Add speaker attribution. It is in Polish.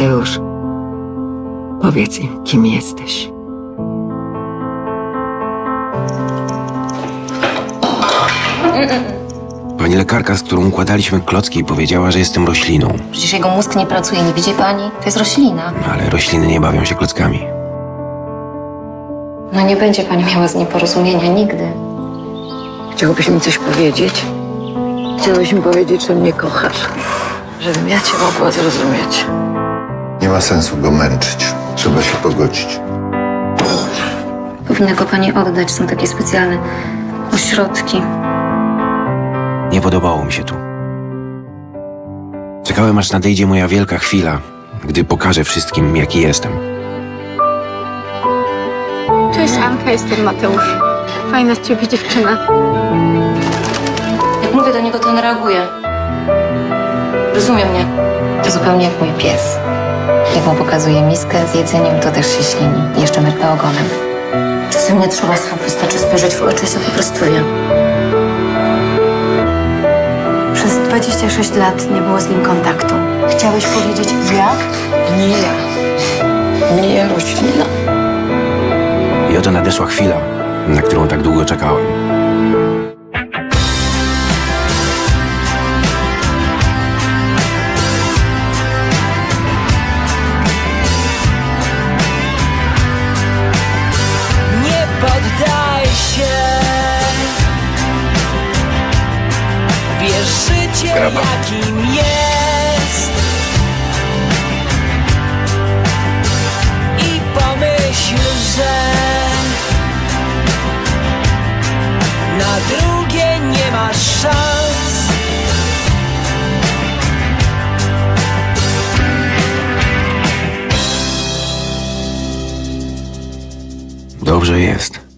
Speaker 1: Mateusz, powiedz im, kim jesteś.
Speaker 2: Pani lekarka, z którą układaliśmy klocki, powiedziała, że jestem rośliną.
Speaker 3: Przecież jego mózg nie pracuje, nie widzi pani? To jest roślina.
Speaker 2: No, ale rośliny nie bawią się klockami.
Speaker 3: No nie będzie pani miała z nim porozumienia nigdy.
Speaker 1: Chciałbyś mi coś powiedzieć? Chciałbyś mi powiedzieć, że mnie kochasz. Żebym ja cię mogła zrozumieć.
Speaker 4: Nie ma sensu go męczyć. Trzeba się pogodzić.
Speaker 3: Powinna go pani oddać, są takie specjalne ośrodki.
Speaker 2: Nie podobało mi się tu. Czekałem, aż nadejdzie moja wielka chwila, gdy pokażę wszystkim, jaki jestem.
Speaker 5: Cześć Anka, jestem Mateusz. Fajna z ciebie dziewczyna.
Speaker 3: Jak mówię do niego, to on reaguje. Rozumie mnie. To zupełnie jak mój pies. Jak mu pokazuję miskę z jedzeniem, to też się ślini. I jeszcze mrugna ogonem. Czasem nie trzeba słów, wystarczy spojrzeć w oczy i się po prostu wie.
Speaker 5: Przez 26 lat nie było z nim kontaktu. Chciałeś powiedzieć jak?
Speaker 1: Nie ja. Nie ja, roślina.
Speaker 2: I oto nadeszła chwila, na którą tak długo czekałem.
Speaker 6: Nie poddaj się. Bierz życie, jakim jest. I pomyśl, że na drugie nie masz szans.
Speaker 2: Dobrze jest.